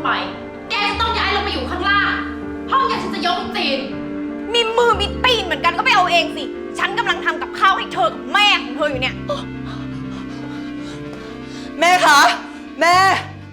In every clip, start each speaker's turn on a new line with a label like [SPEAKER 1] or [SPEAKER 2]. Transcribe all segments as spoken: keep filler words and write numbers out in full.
[SPEAKER 1] ไปแกจะต้องย้ายลงมาอยู่ข้างล่างห้องอย่างฉันจะยกตีน
[SPEAKER 2] มีมือมีตีนเหมือนกันก็ไปเอาเองสิฉันกำลังทำกับข้าวให้เธอกับแม่ของเธออยู่เนี่ย
[SPEAKER 3] แม่คะแม่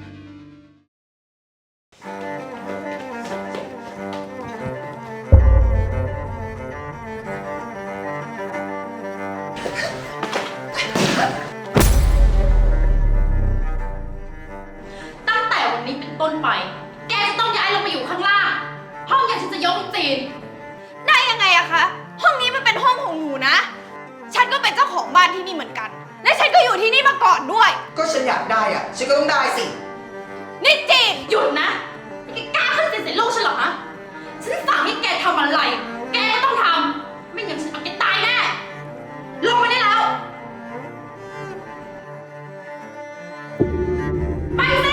[SPEAKER 1] ตั้งแต่วันนี้เป็นต้นไปแกจะต้องย้ายลงมาอยู่ข้างล่างห้องอย่างฉันจะยกตีน
[SPEAKER 2] ได้ยังไงอะคะห้องนี้มันเป็นห้องของหนูนะฉันก็เป็นเจ้าของบ้านที่นี่เหมือนกันและฉันก็อยู่ที่นี่มาก่อนด้วย
[SPEAKER 3] ก็ฉันอยากได้อ่ะฉันก็ต้องได้สิ
[SPEAKER 2] นี่จีน
[SPEAKER 1] หยุดนะแกกล้าขึ้นเสียงใส่ลูกฉันเหรอฮะฉันสั่งให้แกทำอะไรแกก็ต้องทำไม่งั้นฉันเอาแกตายแน่ลงมาได้แล้วไปสิ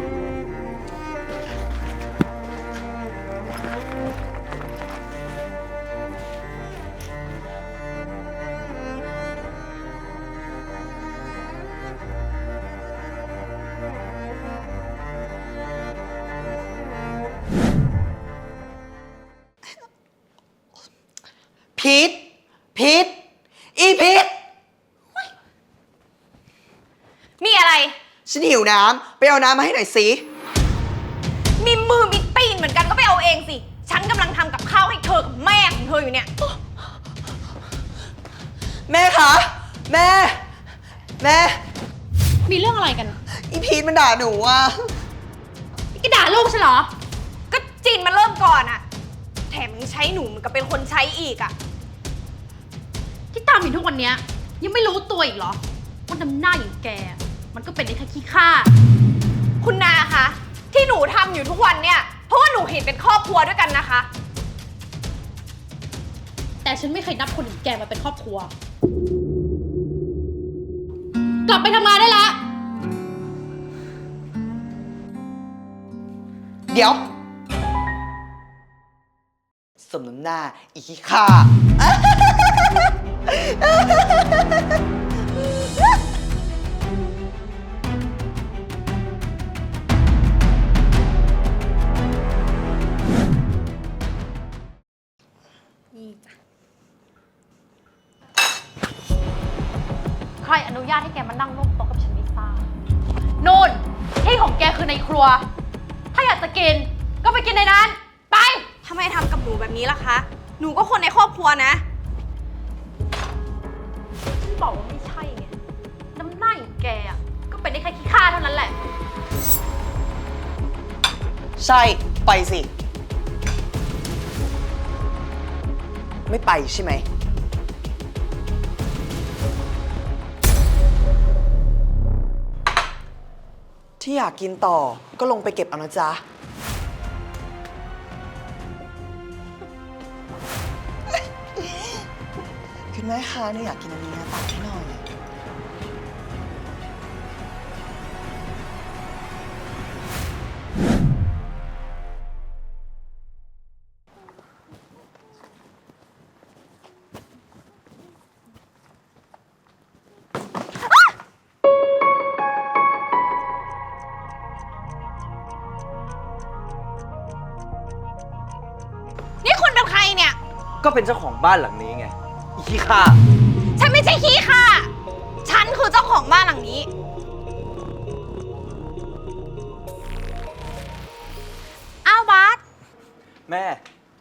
[SPEAKER 3] พีทพีทอีพีท
[SPEAKER 2] มีอะไร
[SPEAKER 3] ฉันหิวน้ำไปเอาน้ำมาให้หน่อยสิ
[SPEAKER 2] มีมือมีตีนเหมือนกันก็ไปเอาเองสิฉันกำลังทำกับข้าวให้เธอกับแม่ของเธออยู่เนี่ย
[SPEAKER 3] แม่คะแม่แม่
[SPEAKER 1] มีเรื่องอะไรกัน
[SPEAKER 3] อีพีทมันด่าหนูอ่ะ
[SPEAKER 1] แกด่าลูกฉันเหรอ
[SPEAKER 2] ก็จีนมันเริ่มก่อนอะแถมยังใช้หนูเหมือนกับเป็นคนใช้อีกอะ
[SPEAKER 1] ที่ตามอยู่ทุกวันนี้ยังไม่รู้ตัวอีกเหรอว่าน้ำหน้าอย่างแกมันก็เป็นได้แค่ขี้ข้า
[SPEAKER 2] คุณนาคะที่หนูทำอยู่ทุกวันเนี่ยเพราะว่าหนูเห็นเป็นครอบครัวด้วยกันนะคะ
[SPEAKER 1] แต่ฉันไม่เคยนับคนอย่างแกมาเป็นครอบครัวกลับไปทำงานได้แล้ว
[SPEAKER 3] เดี๋ยวสมน้ำหน้าอีขี้ข้า
[SPEAKER 1] ใครอนุญาตให้แกมานั่งร่วมโต๊ะกับฉันไม่ทราบนู่นที่ของแกคือในครัวถ้าอยากจะกินก็ไปกินในนั้นไป
[SPEAKER 2] ทำไมทำกับหนูแบบนี้ล่ะคะหนูก็คนในครอบครัวนะ
[SPEAKER 1] ฉันบอกว่าไม่ใช่ไงน้ำหน้าอย่างแกอ่ะก็เป็นได้แค่ขี้ข้าเท่านั้นแหละ
[SPEAKER 3] ใช่ไปสิไม่ไปใช่ไหมที่อยากกินต่อก็ลงไปเก็บเอานะจ๊ะคุณแม่คะหนูอยากกินอันนี้นะตักให้หน่อย
[SPEAKER 2] นี่คุณเป็นใครเนี่ย
[SPEAKER 4] ก็เป็นเจ้าของบ้านหลังนี้ไงอีขี้ข้า
[SPEAKER 2] ฉันไม่ใช่ขี้ข้าฉันคือเจ้าของบ้านหลังนี้อ้าวบาส
[SPEAKER 4] แม่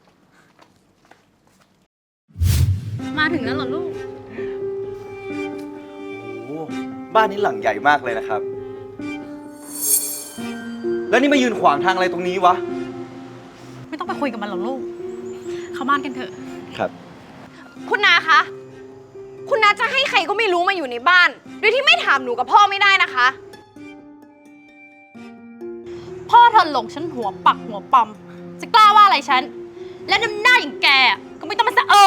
[SPEAKER 1] มาถึงแล้วเหรอลูก
[SPEAKER 4] โอ้บ้านนี้หลังใหญ่มากเลยนะครับแล้วนี่มายืนขวางทางอะไรตรงนี้วะ
[SPEAKER 1] ไม่ต้องไปคุยกับมันหรอกลูกเข้าบ้านกันเถอะ
[SPEAKER 4] ครับ
[SPEAKER 2] คุณนาคะคุณนาจะให้ใครก็ไม่รู้มาอยู่ในบ้านโดยที่ไม่ถามหนูกับพ่อไม่ได้นะคะ
[SPEAKER 1] พ่อเธอหลงฉันหัวปักหัวปอมจะกล้าว่าอะไรฉันและน้ำหน้าอย่างแกก็ไม่ต้องมาสะเออ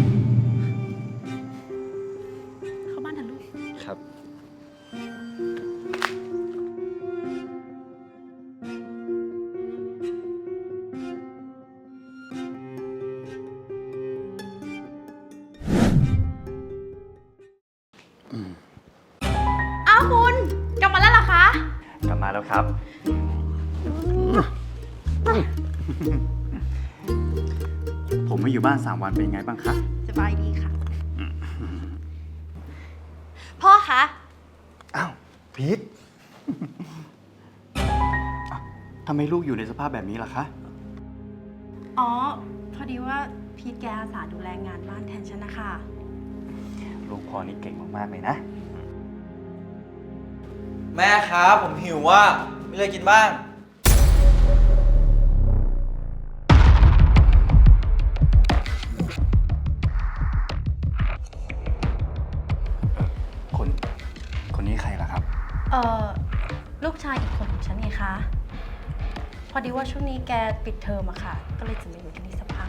[SPEAKER 1] เข้าบ้านเถอะลูก
[SPEAKER 4] ครับ
[SPEAKER 1] อ้าวคุณกลับมาแล้วเหรอคะ
[SPEAKER 4] กลับมาแล้วครับ
[SPEAKER 5] ผมมาอยู่บ้านสามวันเป็นไงบ้างคะ
[SPEAKER 2] สบายดีค่ะ พ่อคะ
[SPEAKER 5] อ้าว พีท อ้าวทำไมลูกอยู่ในสภาพแบบนี้ล่ะคะ
[SPEAKER 6] อ๋อ พอดีว่าพีทแกอาสาดูแลงานบ้านแทนฉันนะคะ
[SPEAKER 5] ลูกพ่อนี่เก่งมากๆเลยนะ
[SPEAKER 4] แม่ครับผมหิวว่าไม่เลยกินบ้าง
[SPEAKER 5] คน คนนี้ใครล่ะครับ
[SPEAKER 6] เอ่อ ลูกชายอีกคนของฉันไงคะ พอดีว่าช่วงนี้แกปิดเทอมอะค่ะ ก็เลยจะมาอยู่ที่นี่สักพัก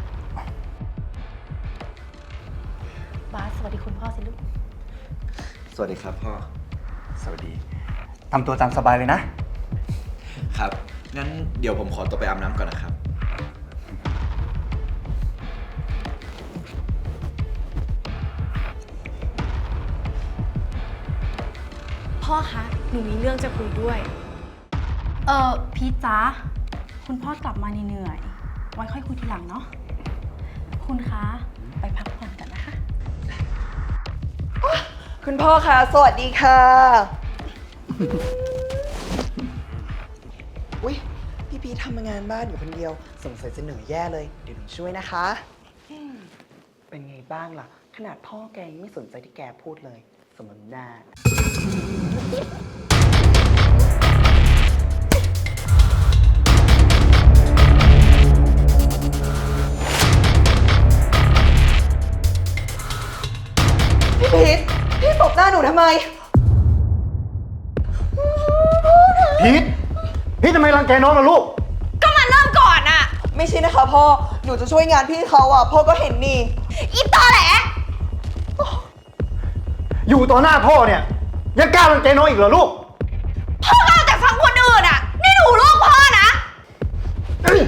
[SPEAKER 6] บาสสวัสดีคุณพ่อสิลูก
[SPEAKER 4] สวัสดีครับพ่อ
[SPEAKER 5] สวัสดี ทำตัวตามสบายเลยนะ
[SPEAKER 4] ครับ งั้นเดี๋ยวผมขอตัวไปอาบน้ำก่อนนะครับ
[SPEAKER 2] พ่อคะ หนูมีเรื่องจะคุยด้วย
[SPEAKER 6] เอ่อ พีทจ๊ะคุณพ่อกลับมาเหนื่อยๆไว้ค่อยคุยทีหลังเนาะ คุณคะ ไปพักผ่อนกันนะคะ
[SPEAKER 3] คุณพ่อคะสวัสดีค่ะ อุ๊ย พี่พีททำงานบ้านอยู่คนเดียว สงสัยจะเหนื่อยแย่เลย เดี๋ยวหนูช่วยนะคะอืมเป็นไงบ้างล่ะ ขนาดพ่อแกยังไม่สนใจที่แกพูดเลย สมน้ำหน้า พี่พีทพี่ตบหน้าหนูทำไม
[SPEAKER 5] พีท พีททำไมรังแกน้องล่ะลูก
[SPEAKER 2] ก็มันเริ่มก่อนอะ
[SPEAKER 3] ไม่ใช่นะคะพ่อ หนูจะช่วยงานพี่เขาอ่ะ พ่อก็เห็นนี่
[SPEAKER 2] อีตอแหล
[SPEAKER 5] อยู่ต่อหน้าพ่อเนี่ย ยังกล้ารังแกน้องอีกเหรอลูก
[SPEAKER 2] พ่อก็เอาแต่ฟังคนอื่นอะนี่หนูลูกพ่อนะ
[SPEAKER 5] เอ้ย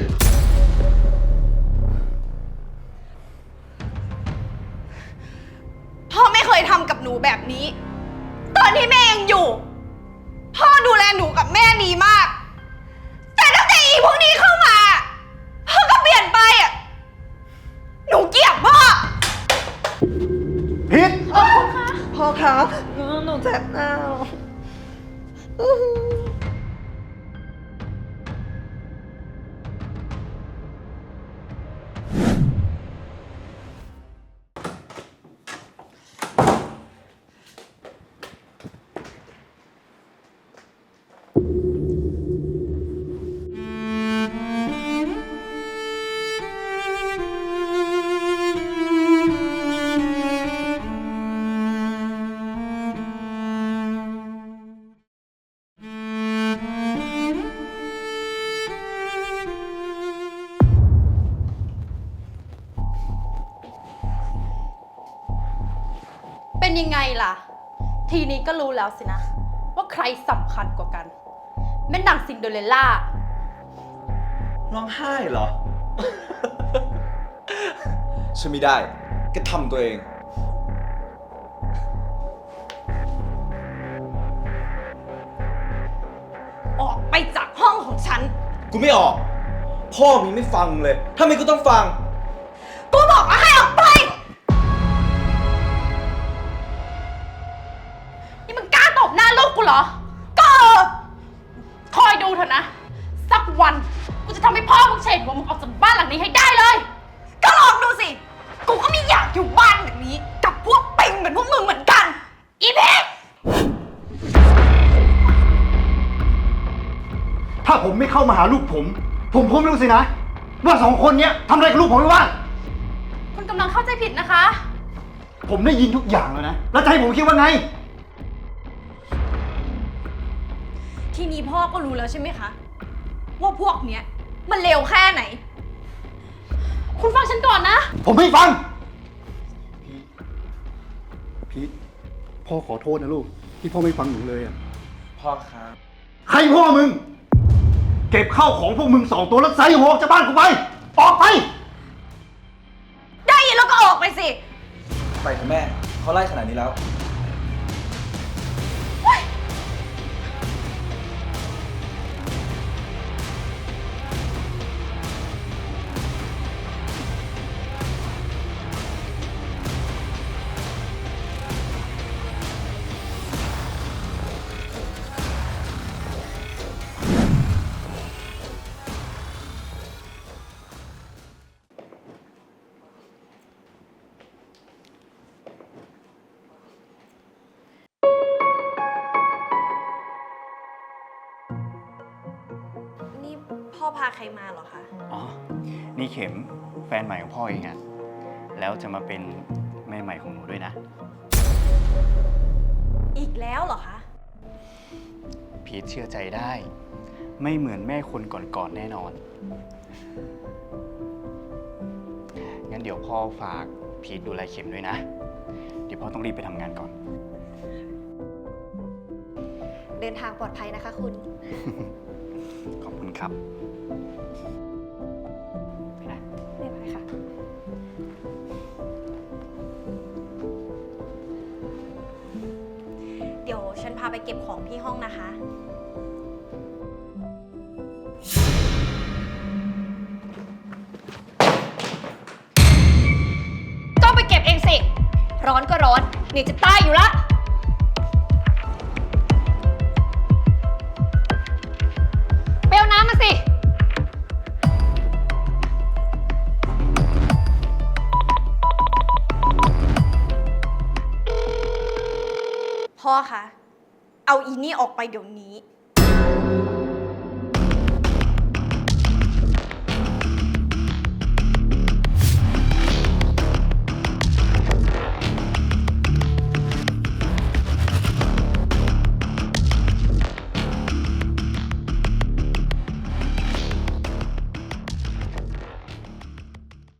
[SPEAKER 2] พ่อไม่เคยทำกับหนูแบบนี้ ตอนที่แม่ยังอยู่ พ่อดูแลหนูกับแม่ดีมาก แต่ตั้งแต่อีพวกนี้เข้ามาพ่อก็เปลี่ยนไปอ่ะ หนูเกลียดพ่อ
[SPEAKER 5] พีท
[SPEAKER 3] พ่อคะหนูเจ็บหน้าอื้อหือ
[SPEAKER 1] เป็นยังไงล่ะ ทีนี้ก็รู้แล้วสินะ ว่าใครสำคัญกว่ากัน แม่นางซินเดอเรลล่า
[SPEAKER 4] ร้องไห้เหรอ ช่วยไม่ได้ก็ทำตัวเอง
[SPEAKER 2] ออกไปจากห้องของฉัน
[SPEAKER 4] กูไม่ออก พ่อมีไม่ฟังเลยทำไมกูต้องฟัง
[SPEAKER 2] กูบอกว่าให้ออกไป
[SPEAKER 1] นี่มึงกล้าตบหน้าลูกกูเหรอ ก็เออคอยดูเถอะนะ สักวันกูจะทำให้พ่อมึงเฉดหัวมึงออกจากบ้านหลังนี้ให้ได้เลย
[SPEAKER 2] ก็ลองดูสิ กูก็ไม่อยากอยู่บ้านแบบนี้ กับพวกปิงเหมือนพวกมึงเหมือนกัน อีเพชร
[SPEAKER 5] ถ้าผมไม่เข้ามาหาลูกผม ผมคงไม่รู้สินะ ว่าสองคนเนี้ยทำอะไรกับลูกผมไม่ว่าง
[SPEAKER 1] คุณกำลังเข้าใจผิดนะคะ
[SPEAKER 5] ผมได้ยินทุกอย่างแล้วนะ แล้วจะให้ผมคิดว่าไง
[SPEAKER 2] ทีนี้พ่อก็รู้แล้วใช่ไหมคะ ว่าพวกเนี้ยมันเลวแค่ไหน
[SPEAKER 1] คุณฟังฉันก่อนนะ
[SPEAKER 5] ผมไม่ฟัง พีท พ่อขอโทษนะลูก ที่พ่อไม่ฟังหนูเลยอ่ะ
[SPEAKER 4] พ่อครับ
[SPEAKER 5] ใครพ่อมึง เก็บข้าวของพวกมึงสองตัวแล้วใส่หัวออกจากบ้านกูไป ออกไป
[SPEAKER 2] ได้ยินแล้วก็ออกไปสิ
[SPEAKER 4] ไปเถอะแม่ เขาไล่ขนาดนี้แล้ว
[SPEAKER 2] พาใครมาเหรอคะ
[SPEAKER 5] อ๋อ นี่เข็มแฟนใหม่ของพ่อเองอะแล้วจะมาเป็นแม่ใหม่ของหนูด้วยนะ
[SPEAKER 2] อีกแล้วเหรอคะ
[SPEAKER 5] พีทเชื่อใจได้ ไม่เหมือนแม่คนก่อนๆแน่นอน งั้นเดี๋ยวพ่อฝากพีทดูแลเข็มด้วยนะ เดี๋ยวพ่อต้องรีบไปทำงานก่อน
[SPEAKER 2] เดินทางปลอดภัยนะคะคุณ
[SPEAKER 5] ขอบคุณครับ ไปนะ
[SPEAKER 2] เรียบร้อยค่ะ เดี๋ยวฉันพาไปเก็บของที่ห้องนะคะ ก็ไปเก็บเองสิ ร้อนก็ร้อนเหนี่อยจะตายอยู่ละเปลวน้ำมาสิ พ่อคะ เอาอีนี่ออกไปเดี๋ยวนี้